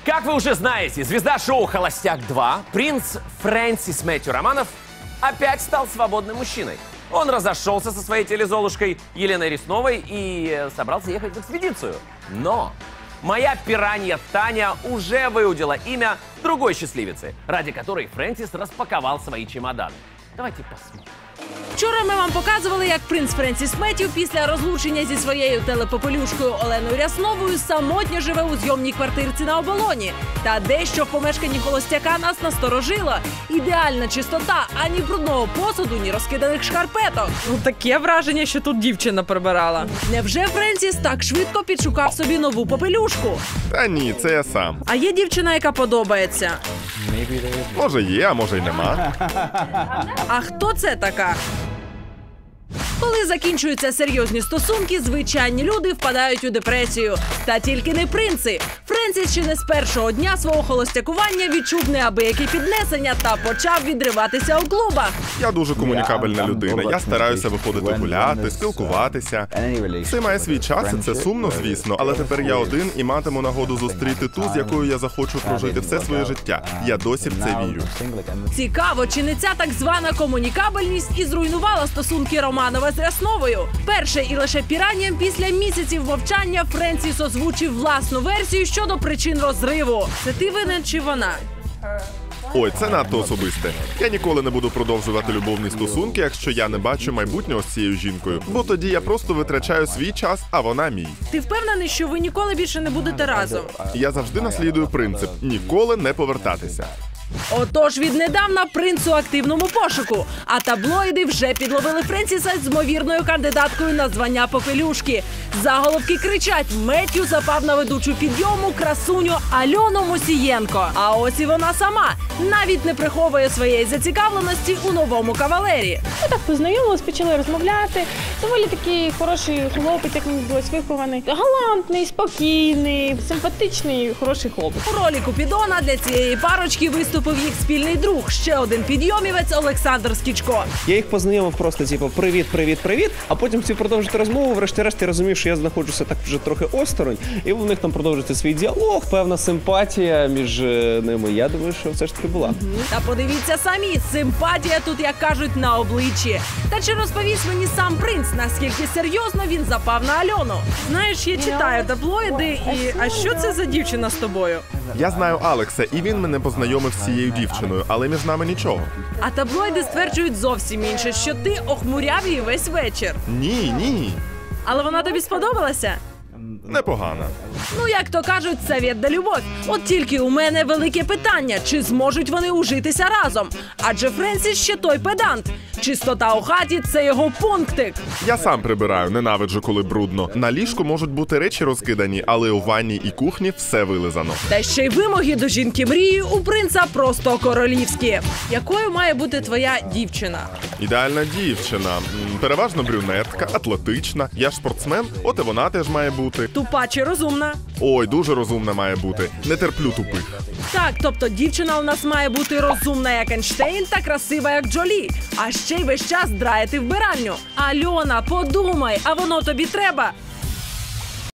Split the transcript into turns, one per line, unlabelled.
Как вы уже знаете, звезда шоу «Холостяк-2» принц Фрэнсис Мэтью Романов опять стал свободным мужчиной. Он разошелся со своей телезолушкой Еленой Ресновой и собрался ехать в экспедицию. Но моя пиранья Таня уже выудила имя другой счастливицы, ради которой Фрэнсис распаковал свои чемоданы. Давайте посмотрим.
Вчора ми вам показували, як принц Френсіс Меттью після розлучення зі своєю телепопелюшкою Оленою Рясновою самотньо живе у зйомній квартирці на Оболоні. Та дещо в помешканні холостяка нас насторожило. Ідеальна чистота, ані брудного посуду, ні розкиданих шкарпеток.
Ну, таке враження, що тут дівчина прибирала.
Невже Френсіс так швидко підшукав собі нову попелюшку?
Та ні, це я сам.
А є дівчина, яка подобається?
Може є, а може й нема.
А хто це така? Коли закінчуються серйозні стосунки, звичайні люди впадають у депресію. Та тільки не принци. Френсіс ще не з першого дня свого холостякування відчув неабиякі піднесення та почав відриватися у клубах.
Я дуже комунікабельна людина. Я стараюся виходити гуляти, спілкуватися. Все має свій час, і це сумно, звісно. Але тепер я один і матиму нагоду зустріти ту, з якою я захочу прожити все своє життя. Я досі в це вірю.
Цікаво, чи не ця так звана комунікабельність і зруйнувала стосунки Романова з Рясновою? Перше і лише піранням після місяців мовчання Френсіс озвучив власну версію щодо причин розриву. Це ти винен чи вона?
Ой, це надто особисте. Я ніколи не буду продовжувати любовні стосунки, якщо я не бачу майбутнього з цією жінкою. Бо тоді я просто витрачаю свій час, а вона мій.
Ти впевнений, що ви ніколи більше не будете разом?
Я завжди наслідую принцип – ніколи не повертатися.
Отож, віднедавна принц у активному пошуку. А таблоїди вже підловили Френсіса з ймовірною кандидаткою на звання попелюшки. Заголовки кричать: Меттью запав на ведучу підйому красуню Альону Мусієнко. А ось і вона сама. Навіть не приховує своєї зацікавленості у новому кавалері.
Ми так познайомились, почали розмовляти. Доволі такий хороший хлопець, як мені здалось, вихований. Галантний, спокійний, симпатичний, хороший хлопець.
У ролі Купідона для цієї парочки виступив їх спільний друг, ще один підйомівець Олександр Скічко.
Я їх познайомив просто, типу, привіт, привіт, привіт, а потім хотів продовжити розмову, врешті-решт я розумів, що я знаходжуся так вже трохи осторонь, і у них там продовжується свій діалог, певна симпатія між ними. Я думаю, що все ж таки була.
Та подивіться самі, симпатія тут, як кажуть, на обличчі. Та чи розповість мені сам принц, наскільки серйозно він запав на Альону?
Знаєш, я читаю таблоїди, і а що це за дівчина з тобою?
Я знаю Алекса, і він мене познайомив з цією дівчиною, але між нами нічого.
А таблоїди стверджують зовсім інше, що ти охмуряв її весь вечір.
Ні.
Але вона тобі сподобалася?
Непогано.
Ну, як то кажуть, совет да любов. От тільки у мене велике питання, чи зможуть вони ужитися разом? Адже Френсіс ще той педант. Чистота у хаті – це його пунктик.
Я сам прибираю, ненавиджу, коли брудно. На ліжку можуть бути речі розкидані, але у ванні і кухні все вилизано.
Та ще й вимоги до жінки мрії у принца просто королівські.
Якою має бути твоя дівчина?
Ідеальна дівчина. Переважно брюнетка, атлетична. Я ж спортсмен, от і вона теж має бути.
Тупа чи розумна?
Ой, дуже розумна має бути. Не терплю тупих.
Так, тобто дівчина у нас має бути розумна, як Ейнштейн, та красива, як Джолі. А ще й весь час драєти вбиральню. Альона, подумай, а воно тобі треба?